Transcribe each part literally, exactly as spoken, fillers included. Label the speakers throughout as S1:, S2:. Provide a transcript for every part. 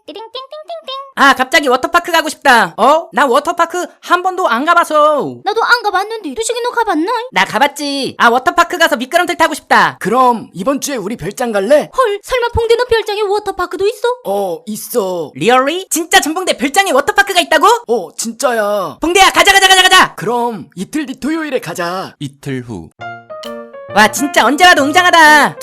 S1: 띠링띵띵띵띵.
S2: 아, 갑자기 워터파크 가고 싶다. 어? 나 워터파크 한 번도 안 가봐서.
S1: 나도 안 가봤는데 두식이 너 가봤나?
S2: 나 가봤지. 아, 워터파크 가서 미끄럼틀 타고 싶다.
S3: 그럼 이번 주에 우리 별장 갈래?
S1: 헐, 설마 봉대 너 별장에 워터파크도 있어?
S3: 어, 있어.
S2: 리얼리? 진짜 전봉대 별장에 워터파크가 있다고?
S3: 어, 진짜야.
S2: 봉대야, 가자 가자 가자 가자.
S3: 그럼 이틀 뒤 토요일에 가자.
S4: 이틀 후.
S2: 와, 진짜 언제 와도 웅장하다.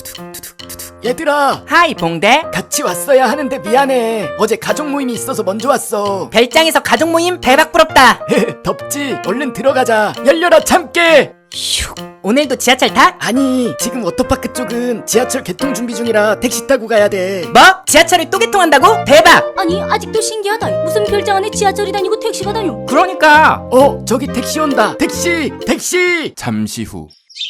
S3: 얘들아,
S2: 하이 봉대.
S3: 같이 왔어야 하는데 미안해. 어제 가족 모임이 있어서 먼저 왔어.
S2: 별장에서 가족 모임 대박 부럽다.
S3: 덥지? 얼른 들어가자. 열려라 참깨.
S2: 슉. 오늘도 지하철 타?
S3: 아니, 지금 워터파크 쪽은 지하철 개통 준비 중이라 택시 타고 가야 돼.
S2: 뭐? 지하철을 또 개통한다고? 대박.
S1: 아니, 아직도 신기하다. 무슨 별장 안에 지하철이 다니고 택시가 다녀?
S2: 그러니까.
S3: 어, 저기 택시 온다. 택시, 택시.
S4: 잠시 후.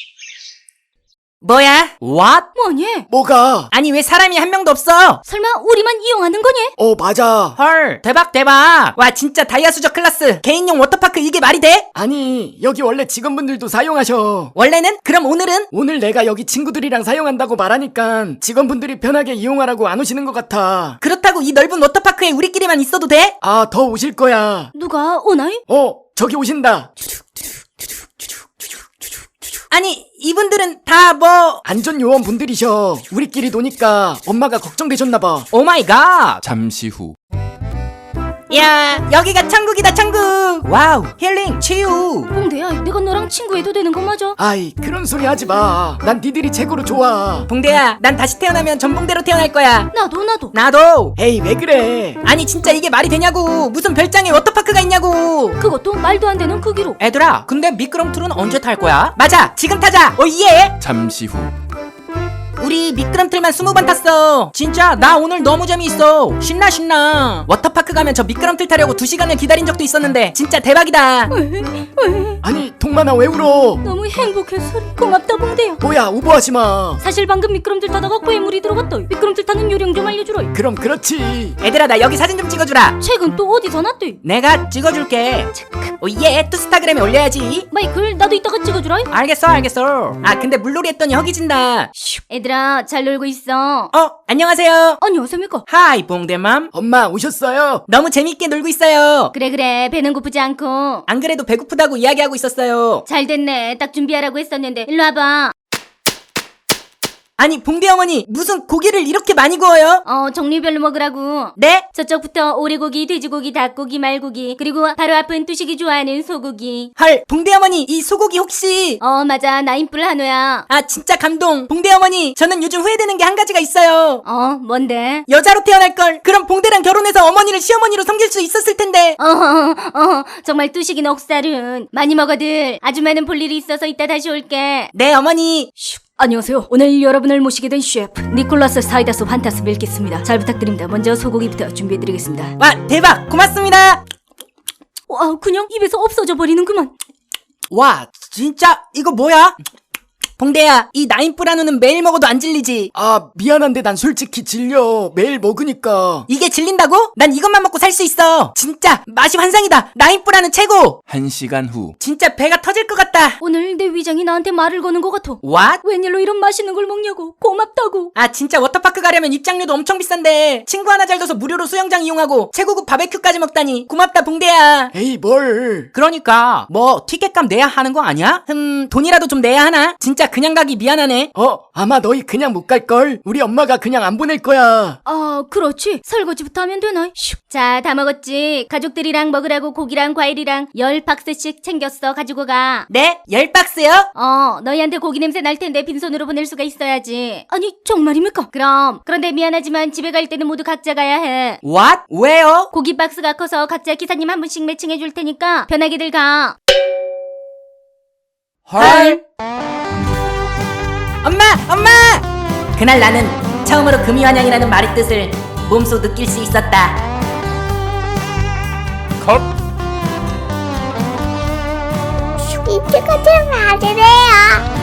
S2: 뭐야? What?
S1: 뭐니?
S3: 뭐가?
S2: 아니, 왜 사람이 한 명도 없어?
S1: 설마 우리만 이용하는 거니?
S3: 어, 맞아.
S2: 헐, 대박 대박. 와, 진짜 다이아 수저 클래스 개인용 워터파크 이게 말이 돼?
S3: 아니, 여기 원래 직원분들도 사용하셔.
S2: 원래는? 그럼 오늘은?
S3: 오늘 내가 여기 친구들이랑 사용한다고 말하니까 직원분들이 편하게 이용하라고 안 오시는 것 같아.
S2: 그렇다고 이 넓은 워터파크에 우리끼리만 있어도 돼?
S3: 아, 더 오실 거야.
S1: 누가 오나이?
S3: 어, 저기 오신다.
S2: 아니, 이분들은 다 뭐...
S3: 안전요원분들이셔. 우리끼리 노니까 엄마가 걱정되셨나봐.
S2: 오 마이 갓.
S4: 잠시 후.
S2: 야, 여기가 천국이다 천국. 와우, 힐링, 치유.
S1: 봉대야, 내가 너랑 친구해도 되는 거 맞아?
S3: 아이, 그런 소리 하지 마. 난 니들이 최고로 좋아.
S2: 봉대야, 난 다시 태어나면 전봉대로 태어날 거야.
S1: 나도 나도.
S2: 나도.
S3: 에이, 왜 그래?
S2: 아니, 진짜 이게 말이 되냐고. 무슨 별장에 워터파크가 있냐고.
S1: 그것도 말도 안 되는 크기로.
S2: 애들아, 근데 미끄럼틀은 언제 탈 거야? 맞아, 지금 타자. 오 예.
S4: 잠시 후.
S2: 우리 미끄럼틀만 스무 번 탔어. 진짜 나 오늘 너무 재미있어. 신나 신나. 워터파크 가면 저 미끄럼틀 타려고 두 시간을 기다린 적도 있었는데 진짜 대박이다.
S3: 아니, 동만아 왜 울어?
S1: 너무 행복해서 고맙다 봉대야.
S3: 뭐야, 오버하지 마.
S1: 사실 방금 미끄럼틀 타다가 괴물이 들어갔다. 미끄럼틀 타는 요령 좀 알려주라.
S3: 그럼 그렇지.
S2: 얘들아, 나 여기 사진 좀 찍어주라.
S1: 책은 또 어디서 났대?
S2: 내가 찍어줄게. 오예, 투스타그램에 올려야지.
S1: 마이클, 나도 이따가 찍어주라.
S2: 알겠어 알겠어. 아, 근데 물놀이 했더니 허기진다.
S1: 얘들아, 잘 놀고 있어.
S2: 어, 안녕하세요.
S1: 안녕하십니까?
S2: 하이 봉대맘.
S3: 엄마 오셨어요?
S2: 너무 재밌게 놀고 있어요.
S1: 그래 그래, 배는 고프지 않고.
S2: 안 그래도 배고프다고 이야기하고 있었어요.
S1: 잘 됐네. 딱 준비하라고 했었는데. 일로 와봐.
S2: 아니, 봉대 어머니, 무슨 고기를 이렇게 많이 구워요?
S1: 어, 종류별로 먹으라고.
S2: 네?
S1: 저쪽부터 오래고기, 돼지고기, 닭고기, 말고기, 그리고 바로 앞은 뚜식이 좋아하는 소고기.
S2: 헐, 봉대 어머니, 이 소고기 혹시...
S1: 어, 맞아. 나인뿔 한우야.
S2: 아, 진짜 감동. 봉대 어머니, 저는 요즘 후회되는 게 한 가지가 있어요.
S1: 어, 뭔데?
S2: 여자로 태어날걸. 그럼 봉대랑 결혼해서 어머니를 시어머니로 섬길 수 있었을 텐데.
S1: 어, 어, 정말 뚜식이 넉살은. 많이 먹어들. 아줌마는 볼 일이 있어서 이따 다시 올게.
S2: 네, 어머니.
S1: 안녕하세요. 오늘 여러분을 모시게 된 셰프 니콜라스 사이다스 환타스 밀겠습니다. 잘 부탁드립니다. 먼저 소고기부터 준비해드리겠습니다.
S2: 와, 대박. 고맙습니다.
S1: 와, 그냥 입에서 없어져 버리는구만.
S2: 와, 진짜 이거 뭐야? 봉대야, 이 나인뿔 한우는 매일 먹어도 안 질리지?
S3: 아, 미안한데 난 솔직히 질려. 매일 먹으니까.
S2: 이게 질린다고? 난 이것만 먹고 살 수 있어. 진짜 맛이 환상이다. 나인뿔 한우 최고.
S4: 한 시간 후.
S2: 진짜 배가 터질 것 같다.
S1: 오늘 내 위장이 나한테 말을 거는 것 같아.
S2: What?
S1: 웬일로 이런 맛있는 걸 먹냐고. 고맙다고.
S2: 아, 진짜 워터파크 가려면 입장료도 엄청 비싼데 친구 하나 잘 둬서 무료로 수영장 이용하고 최고급 바베큐까지 먹다니 고맙다 봉대야.
S3: 에이, 뭘.
S2: 그러니까 뭐 티켓값 내야 하는 거 아니야? 흠, 돈이라도 좀 내야 하나? 진짜 그냥 가기 미안하네.
S3: 어, 아마 너희 그냥 못 갈걸? 우리 엄마가 그냥 안 보낼 거야.
S1: 아, 그렇지. 설거지부터 하면 되나? 슉. 자, 다 먹었지. 가족들이랑 먹으라고 고기랑 과일이랑 열 박스씩 챙겼어. 가지고 가.
S2: 네? 열 박스요?
S1: 어, 너희한테 고기 냄새 날 텐데 빈손으로 보낼 수가 있어야지. 아니, 정말입니까? 그럼. 그런데 미안하지만 집에 갈 때는 모두 각자 가야 해.
S2: What? 왜요?
S1: 고기 박스가 커서 각자 기사님 한 분씩 매칭해 줄 테니까 편하게들 가.
S2: 헐. 엄마! 엄마! 그날 나는 처음으로 금이환영이라는 말의 뜻을 몸소 느낄 수 있었다.
S4: 컷.
S5: 이쪽은 좀 맞으래요.